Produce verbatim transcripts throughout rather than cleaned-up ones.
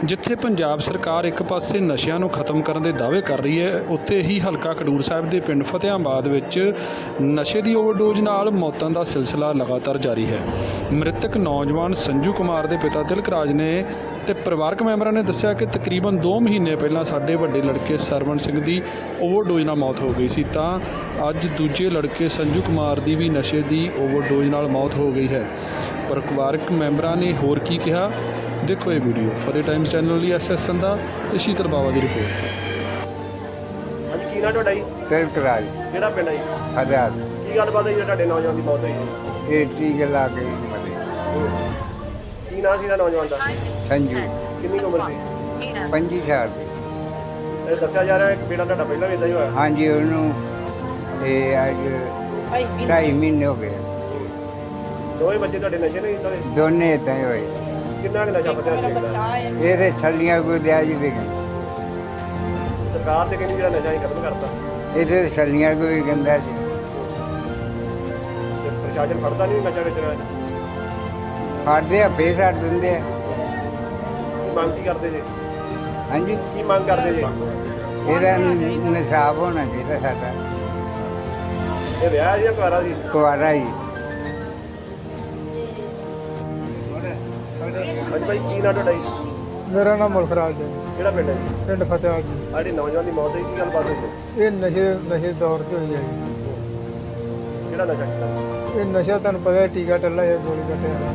ਜਿੱਥੇ ਪੰਜਾਬ ਸਰਕਾਰ ਇੱਕ ਪਾਸੇ ਨਸ਼ਿਆਂ ਨੂੰ ਖਤਮ ਕਰਨ ਦੇ ਦਾਅਵੇ ਕਰ ਰਹੀ ਹੈ, ਉੱਥੇ ਹੀ ਹਲਕਾ ਖਡੂਰ ਸਾਹਿਬ ਦੇ ਪਿੰਡ ਫਤਿਆਬਾਦ ਵਿੱਚ ਨਸ਼ੇ ਦੀ ਓਵਰਡੋਜ਼ ਨਾਲ ਮੌਤਾਂ ਦਾ ਸਿਲਸਿਲਾ ਲਗਾਤਾਰ ਜਾਰੀ ਹੈ। ਮ੍ਰਿਤਕ ਨੌਜਵਾਨ ਸੰਜੂ ਕੁਮਾਰ ਦੇ ਪਿਤਾ ਤਿਲਕ ਰਾਜ ਨੇ ਤੇ ਪਰਿਵਾਰਕ ਮੈਂਬਰਾਂ ਨੇ ਦੱਸਿਆ ਕਿ ਤਕਰੀਬਨ ਦੋ ਮਹੀਨੇ ਪਹਿਲਾਂ ਸਾਡੇ ਵੱਡੇ ਲੜਕੇ ਸਰਵਣ ਸਿੰਘ ਦੀ ਓਵਰਡੋਜ਼ ਨਾਲ ਮੌਤ ਹੋ ਗਈ ਸੀ, ਤਾਂ ਅੱਜ ਦੂਜੇ ਲੜਕੇ ਸੰਜੂ ਕੁਮਾਰ ਦੀ ਵੀ ਨਸ਼ੇ ਦੀ ਓਵਰਡੋਜ਼ ਨਾਲ ਮੌਤ ਹੋ ਗਈ ਹੈ। ਪਰਿਵਾਰਕ ਮੈਂਬਰਾਂ ਨੇ ਹੋਰ ਕੀ ਕਿਹਾ, ਦੇਖੋ ਇਹ ਵੀਡੀਓ। ਫਤਿਹ ਟਾਈਮਸ ਚੈਨਲ ਲਈ ਐਸ ਐਸ ਸੰਧਾ ਤੇ ਸ਼ੀਤਲ ਬਾਵਾ ਦੀ ਰਿਪੋਰਟ। ਹਾਂਜੀ, ਕੀ ਨਾਂ ਤੁਹਾਡਾ ਜੀ? ਤਿਲਕ ਰਾਜ ਕਿਹੜਾ ਪਿੰਡ ਹੈ ਜੀ? ਆਜ਼ਾਦ। ਕੀ ਗੱਲਬਾਤ ਹੈ ਜੀ ਤੁਹਾਡੇ ਨੌਜਵਾਨ ਦੀ ਮੌਤ ਹੋਈ ਹੈ? ਇਹ ਟੀਕੇ ਲਾ ਕੇ ਮਰੇ। ਕੀ ਨਾਂ ਸੀ ਦਾ ਨੌਜਵਾਨ ਦਾ? ਸੰਜੂ ਕਿੰਨੀ ਕੁ ਉਮਰ ਸੀ? ਪੰਜੀ ਸਾਲ ਦੀ। ਇਹ ਦੱਸਿਆ ਜਾ ਰਿਹਾ ਇੱਕ ਬੇਟਾ ਤੁਹਾਡਾ ਪਹਿਲਾਂ ਵੀ ਇਦਾਂ ਹੀ ਹੋਇਆ। ਹਾਂਜੀ, ਉਹਨੂੰ ਇਹ ਅੱਜ ਢਾਈ ਮਹੀਨੇ ਹੋ ਗਏ। ਦੋਵੇਂ ਬੱਚੇ ਤੁਹਾਡੇ ਨਸ਼ੇ ਨਹੀਂ ਕੀਤਾ? ਦੋਨੇ ਏਦਾਂ ਹੀ ਹੋਏ। ਕਿੰਨਾ ਕੁ ਨਸ਼ਾ ਪੱਤਿਆ ਸੀ? ਇਹਦੇ ਛੱਲੀਆਂ ਕੋਈ ਦਿਆ ਜੀ ਦੇ ਸਰਕਾਰ ਤੇ ਕਹਿੰਦੀ ਜਿਹੜਾ ਨਸ਼ਾ ਹੀ ਖਤਮ ਕਰਤਾ, ਇਹਦੇ ਛੱਲੀਆਂ ਕੋਈ ਗੰਦਾ ਸੀ। ਤੇ ਪ੍ਰਸ਼ਾਸਨ ਫੜਦਾ ਨਹੀਂ ਨਸ਼ਾ ਵੇਚਣ ਵਾਲੇ? ਫੜਦੇ ਆ ਫੇਰ ਛੱਡ ਦਿੰਦੇ ਆ। ਕੀ ਮੰਗ ਕੀ ਕਰਦੇ ਜੀ? ਹਾਂਜੀ, ਕੀ ਮੰਗ ਕਰਦੇ ਜੀ? ਇਹਦਾ ਨਿਸ਼ਾਬ ਹੋਣਾ ਚਾਹੀਦਾ ਸਾਡਾ। ਇਹ ਵਿਆਹ ਜੀ ਕੁਆਰਾ ਸੀ? ਕੁਆਰਾ ਜੀ। ਹਾਂਜੀ ਭਾਈ, ਕੀ ਨਾਂ ਤੁਹਾਡਾ ਜੀ? ਮੇਰਾ ਨਾਮ ਮੁਲਖਰਾਜ ਹੈ। ਕਿਹੜਾ ਪਿੰਡ ਹੈ ਜੀ? ਪਿੰਡ ਫਤਿਆਬਾਦ ਜੀ। ਸਾਡੀ ਨੌਜਵਾਨ ਦੀ ਮੌਤ ਹੋਈ, ਕੀ ਗੱਲਬਾਤ ਹੋਈ? ਇਹ ਨਸ਼ੇ ਨਸ਼ੇ ਦੌਰ 'ਚ ਹੋਈ ਹੈ ਜੀ। ਕਿਹੜਾ ਨਸ਼ਾ ਕੀਤਾ? ਇਹ ਨਸ਼ਾ ਤੁਹਾਨੂੰ ਪਤਾ ਹੈ, ਟੀਕਾ ਟੱਲਾ ਹੈ, ਗੋਲੀ ਕੱਟੇ ਵਾਲਾ।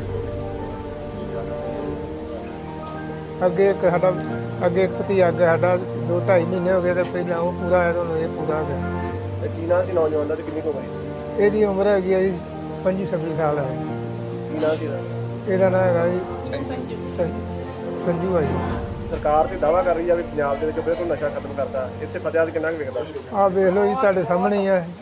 ਅੱਗੇ ਇੱਕ ਸਾਡਾ ਅੱਗੇ ਇੱਕ ਭਤੀਜਾ ਅੱਗੇ ਸਾਡਾ ਦੋ ਢਾਈ ਮਹੀਨੇ ਹੋ ਗਏ ਤੇ ਪਹਿਲਾਂ ਉਹ ਪੂਰਾ ਆਇਆ, ਤੁਹਾਨੂੰ ਇਹ ਪੂਰਾ ਹੋ ਗਿਆ। ਤੇ ਕੀ ਨਾਂ ਸੀ ਨੌਜਵਾਨ ਦਾ ਤੇ ਕਿੰਨੀ ਕੁ ਉਮਰ ਹੈ? ਇਹਦੀ ਉਮਰ ਹੈਗੀ ਹੈ ਜੀ ਪੰਜੀ ਛੱਬੀ ਸਾਲ ਹੈ। ਕੀ ਨਾਂ ਸੀ ਇਹਦਾ? ਇਹਦਾ ਨਾਂ ਹੈਗਾ ਜੀ ਸੰਜੂ ਸੰਜੂ ਹੈ ਜੀ। ਸਰਕਾਰ ਤੇ ਦਾਅਵਾ ਕਰ ਰਹੀ ਆ ਵੀ ਪੰਜਾਬ ਦੇ ਵਿੱਚ ਬਿਲਕੁਲ ਨਸ਼ਾ ਖਤਮ ਕਰਤਾ, ਇੱਥੇ ਫਤਿਆਬਾਦ ਕਿੰਨਾ ਕੁ ਵਿਕਦਾ? ਆਹ ਵੇਖ ਲਓ ਜੀ, ਤੁਹਾਡੇ ਸਾਹਮਣੇ ਹੀ ਹੈ।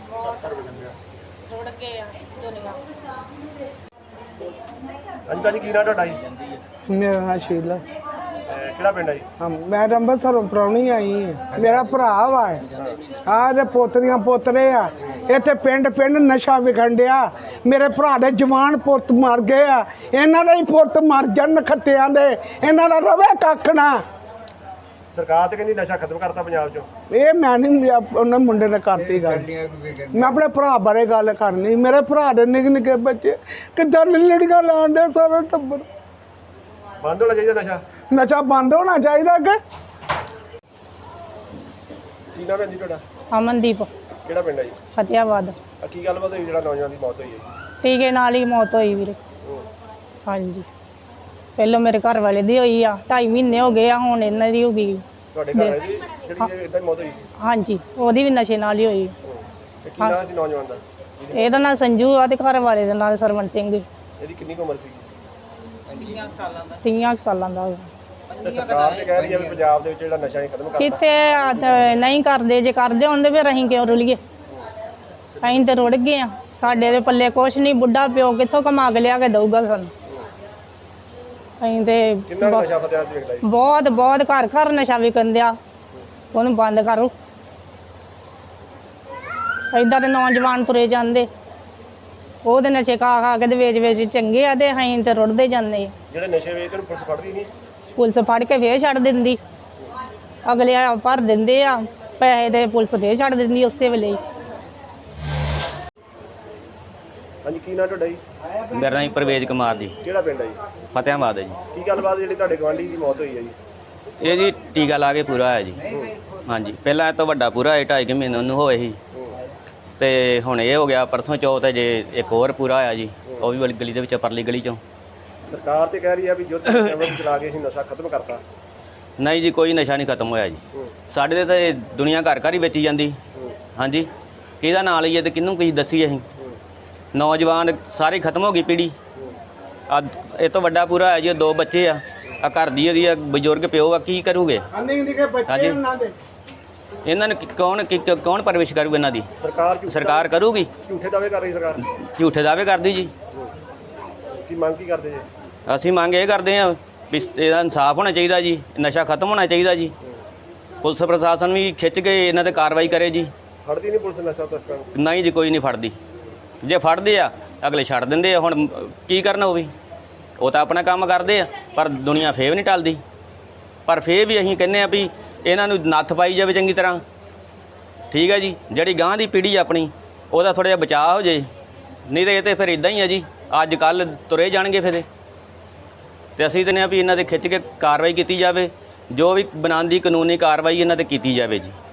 ਹਾਂਜੀ ਭਾਜੀ, ਕੀ ਨਾਂ ਤੁਹਾਡਾ ਜੀ? ਮੇਰਾ ਨਾਂ ਸ਼ੀਲਾ। ਤੇ ਕਿਹੜਾ ਪਿੰਡ ਹੈ ਜੀ? ਹਾਂ, ਮੈਂ ਤਾਂ ਅੰਮ੍ਰਿਤਸਰੋਂ ਪ੍ਰਾਹੁਣੀ ਆਈ ਹਾਂ। ਮੇਰਾ ਭਰਾ ਵਾ ਆਹ ਦੇ ਪੋਤਰੀਆਂ ਪੋਤਰੇ ਆ। ਇੱਥੇ ਪਿੰਡ ਪਿੰਡ ਨਸ਼ਾ ਵਿਖਣ ਡਿਆ। ਮੇਰੇ ਭਰਾ ਦੇ ਜਵਾਨ ਪੁੱਤ ਮਰ ਗਏ ਆ, ਇਹਨਾਂ ਦੇ ਹੀ ਪੁੱਤ ਮਰ ਜਾਣ ਖੱਤਿਆਂ ਦੇ, ਇਹਨਾਂ ਦਾ ਰਵੇ ਕੱਖ ਨਾ। ਸਰਕਾਰ ਤੇ ਕਹਿੰਦੀ ਨਸ਼ਾ ਖਤਮ ਕਰਤਾ ਪੰਜਾਬ 'ਚੋਂ। ਇਹ ਮੈਂ ਨਹੀਂ ਉਹਨਾਂ ਮੁੰਡੇ ਨੇ ਕਰਤੀ ਗੱਲ। ਮੈਂ ਆਪਣੇ ਭਰਾ ਬਾਰੇ ਗੱਲ ਕਰਨੀ। ਮੇਰੇ ਭਰਾ ਦੇ ਨਿੱਕੇ ਨਿੱਕੇ ਬੱਚੇ ਕਿੱਦਾਂ ਲੜੀਆਂ ਲਾਉਣ ਦੇ, ਸਾਰੇ ਟੱਬਰ। ਬੰਦ ਹੋਣਾ ਚਾਹੀਦਾ ਨਸ਼ਾ। ਨਸ਼ਾ ਬੰਦ ਹੋਣਾ ਚਾਹੀਦਾ ਕਿ। ਕੀ ਨਾਮ ਹੈ ਜੀ ਤੁਹਾਡਾ? ਅਮਨਦੀਪ, ਕਿਹੜਾ ਪਿੰਡ ਹੈ ਜੀ? ਫਤਿਆਬਾਦ। ਆ ਕੀ ਗੱਲਬਾਤ ਹੋਈ ਜਿਹੜਾ ਨੌਜਵਾਨ ਦੀ ਮੌਤ ਹੋਈ ਹੈ ਜੀ? ਟੀਕੇ ਨਾਲ ਹੀ ਮੌਤ ਹੋਈ ਵੀਰੇ। ਹਾਂਜੀ, ਪਹਿਲਾਂ ਮੇਰੇ ਘਰ ਵਾਲੇ ਦੀ ਹੋਈ ਆ, ਢਾਈ ਮਹੀਨੇ ਹੋ ਗਏ ਆ, ਹੁਣ ਇਹਨਾਂ ਦੀ ਹੋ ਗਈ। ਤੁਹਾਡੇ ਘਰ ਹੈ ਜੀ ਜਿਹੜੀ ਇਦਾਂ ਮੌਤ ਹੋਈ ਸੀ? ਹਾਂਜੀ, ਉਹਦੀ ਵੀ ਨਸ਼ੇ ਨਾਲ ਹੀ ਹੋਈ। ਤੇ ਕੀ ਨਾਮ ਸੀ ਨੌਜਵਾਨ ਦਾ? ਇਹਦਾ ਨਾਂ ਸੰਜੂ ਆ ਤੇ ਘਰ ਵਾਲੇ ਦਾ ਨਾਂ ਸਰਵਣ ਸਿੰਘ। ਇਹਦੀ ਕਿੰਨੀ ਕੁ ਉਮਰ ਸੀ? ਤੀਆਂ ਕੁ ਸਾਲਾਂ ਦਾ ਹੋਇਆ। ਤੇ ਸਰਕਾਰ ਤੇ ਕਹਿ ਰਹੀ ਹੈ ਵੀ ਪੰਜਾਬ ਦੇ ਵਿੱਚ ਜਿਹੜਾ ਨਸ਼ਾ ਹੀ ਖਤਮ ਕਰਤਾ। ਕਿੱਥੇ ਆ, ਤੇ ਨਹੀਂ ਕਰਦੇ, ਜੇ ਕਰਦੇ ਹੁੰਦੇ ਫਿਰ ਅਸੀਂ ਕਿਉਂ ਰੁਲੀਏ? ਅਸੀਂ ਤੇ ਰੁੜ ਗਏ ਆ, ਸਾਡੇ ਦੇ ਪੱਲੇ ਕੁਛ ਨਹੀਂ। ਬੁੱਢਾ ਪਿਓ ਕਿੱਥੋਂ ਕਮਾ ਕੇ ਲਿਆ ਕੇ ਦਊਗਾ ਸਾਨੂੰ? ਅਸੀਂ ਤੇ ਕਿੰਨਾ ਕੁ ਨਸ਼ਾ ਫਤਿਆਬਾਦ 'ਚ ਵਿਕਦਾ ਜੀ? ਬਹੁਤ ਬਹੁਤ ਘਰ ਘਰ ਨਸ਼ਾ ਵਿਕਣ ਦਿਆ, ਉਹਨੂੰ ਬੰਦ ਕਰੋ। ਏਦਾਂ ਦੇ ਨੌਜਵਾਨ ਤੁਰੇ ਜਾਂਦੇ, ਉਹਦੇ ਨਸ਼ੇ ਖਾ ਖਾ ਕੇ ਤੇ ਵੇਚ ਵੇਚ ਚੰਗੇ ਆ, ਤੇ ਅਸੀਂ ਤੇ ਰੁੜਦੇ ਜਾਂਦੇ। ਜਿਹੜੇ ਨਸ਼ੇ ਵੇਚਦੇ ਨੂੰ ਪੁਲਿਸ ਫੜਦੀ ਨਹੀਂ? ਪੁਲਿਸ ਫੜ ਕੇ ਫੇਰ ਛੱਡ ਦਿੰਦੀ, ਅਗਲੇ ਆ ਭਰ ਦਿੰਦੇ ਆ ਪੈਸੇ, ਤੇ ਪੁਲਿਸ ਫੇਰ ਛੱਡ ਦਿੰਦੀ ਉਸੇ ਵੇਲੇ ਹੀ। ਹਾਂਜੀ, ਕੀ ਨਾਂ ਤੁਹਾਡਾ ਜੀ? ਮੇਰਾ ਨਾਮ ਪਰਵੇਜ਼ ਕੁਮਾਰ ਜੀ, ਕਿਹੜਾ ਪਿੰਡ ਹੈ ਜੀ? ਫਤਿਆਬਾਦ ਹੈ ਜੀ। ਕੀ ਗੱਲਬਾਤ ਜਿਹੜੀ ਤੁਹਾਡੇ ਗਵਾਂਢੀ ਦੀ ਮੌਤ ਹੋਈ ਹੈ ਜੀ? ਇਹ ਜੀ ਟੀਕਾ ਲਾ ਕੇ ਪੂਰਾ ਹੋਇਆ ਜੀ। ਹਾਂਜੀ, ਪਹਿਲਾਂ ਇਹ ਤੋਂ ਵੱਡਾ ਪੂਰਾ ਹੋਇਆ, ਢਾਈ ਕੁ ਮਹੀਨੇ ਉਹਨੂੰ ਹੋਏ ਸੀ, ਤੇ ਹੁਣ ਇਹ ਹੋ ਗਿਆ ਪਰਸੋਂ ਚੌਥ ਹੈ ਜੇ ਇੱਕ ਹੋਰ ਪੂਰਾ ਹੋਇਆ ਜੀ, ਉਹ ਵੀ ਵਾਲੀ ਗਲੀ ਦੇ ਵਿੱਚ, ਪਰਲੀ ਗਲੀ ਚੋਂ। ਸਰਕਾਰ ਤੇ ਕਹਿ ਰਹੀ ਹੈ ਵੀ ਯੁੱਧ ਨਸ਼ਿਆਂ ਚਲਾ ਕੇ ਅਸੀਂ ਨਸ਼ਾ ਖਤਮ ਕਰਤਾ। ਨਹੀਂ ਜੀ, ਕੋਈ ਨਸ਼ਾ ਨਹੀਂ ਖਤਮ ਹੋਇਆ ਜੀ। ਸਾਡੇ ਦੇ ਤਾਂ ਇਹ ਦੁਨੀਆ ਘਰ ਘਰ ਹੀ ਵੇਚੀ ਜਾਂਦੀ। ਹਾਂਜੀ, ਕਿਹਦਾ ਨਾਂ ਲਈਏ ਤੇ ਕਿਹਨੂੰ ਕੀ ਦੱਸੀਏ ਅਸੀਂ? ਨੌਜਵਾਨ ਸਾਰੀ ਖਤਮ ਹੋ ਗਈ ਪੀੜ੍ਹੀ। ਆ ਇਹ ਤੋਂ ਵੱਡਾ ਪੂਰਾ ਹੋਇਆ ਜੀ, ਦੋ ਬੱਚੇ ਆ, ਆ ਘਰ ਦੀ ਉਹਦੀ ਆ ਬਜ਼ੁਰਗ ਪਿਓ ਆ, ਕੀ ਕਰੂਗੇ? ਹਾਂਜੀ, ਇਹਨਾਂ ਨੂੰ ਕੌਣ ਕੌਣ ਪਰਵਿਸ਼ ਕਰੂਗਾ ਇਹਨਾਂ ਦੀ? ਸਰਕਾਰ ਸਰਕਾਰ ਕਰੂਗੀ। ਝੂਠੇ ਦਾਅਵੇ ਕਰ ਰਹੀ ਸਰਕਾਰ। ਝੂਠੇ ਦਾਅਵੇ ਕਰਦੀ ਜੀ। ਕੀ ਮੰਗ ਕੀ ਕਰਦੇ ਜੀ? ਅਸੀਂ ਮੰਗ ਇਹ ਕਰਦੇ ਹਾਂ ਵੀ ਇਹਦਾ ਇਨਸਾਫ ਹੋਣਾ ਚਾਹੀਦਾ ਜੀ, ਨਸ਼ਾ ਖਤਮ ਹੋਣਾ ਚਾਹੀਦਾ ਜੀ। ਪੁਲਿਸ ਪ੍ਰਸ਼ਾਸਨ ਵੀ ਖਿੱਚ ਕੇ ਇਹਨਾਂ 'ਤੇ ਕਾਰਵਾਈ ਕਰੇ ਜੀ। ਫੜਦੀ ਨਹੀਂ ਪੁਲਿਸ ਨਸ਼ਾ ਤਸਕਰਾਂ ਨੂੰ? ਨਹੀਂ ਜੀ, ਕੋਈ ਨਹੀਂ ਫੜਦੀ। ਜੇ ਫੜਦੇ ਆ ਅਗਲੇ ਛੱਡ ਦਿੰਦੇ ਆ। ਹੁਣ ਕੀ ਕਰਨਾ ਉਹ ਵੀ, ਉਹ ਤਾਂ ਆਪਣਾ ਕੰਮ ਕਰਦੇ ਆ, ਪਰ ਦੁਨੀਆ ਫੇਰ ਵੀ ਨਹੀਂ ਟਲਦੀ। ਪਰ ਫੇਰ ਵੀ ਅਸੀਂ ਕਹਿੰਦੇ ਆ ਵੀ ਇਹਨਾਂ ਨੂੰ ਨੱਥ ਪਾਈ ਜਾਵੇ ਚੰਗੀ ਤਰ੍ਹਾਂ। ਠੀਕ ਹੈ ਜੀ, ਜਿਹੜੀ ਗਾਂ ਦੀ ਪੀੜ੍ਹੀ ਆਪਣੀ ਉਹਦਾ ਥੋੜ੍ਹਾ ਜਿਹਾ ਬਚਾਅ ਹੋ ਜੇ, ਨਹੀਂ ਤਾਂ ਇਹ ਤਾਂ ਫਿਰ ਇਦਾਂ ਹੀ ਆ ਜੀ, ਅੱਜ ਕੱਲ੍ਹ ਤੁਰੇ ਜਾਣਗੇ ਫਿਰ ਇਹ। ਤੇ ਅਸੀਂ ਕਹਿੰਦੇ ਆ ਵੀ ਇਹਨਾਂ 'ਤੇ ਖਿੱਚ ਕੇ ਕਾਰਵਾਈ ਕੀਤੀ ਜਾਵੇ, ਜੋ ਵੀ ਬਣਾਉਣ ਦੀ ਕਾਨੂੰਨੀ ਕਾਰਵਾਈ ਇਹਨਾਂ 'ਤੇ ਕੀਤੀ ਜਾਵੇ ਜੀ।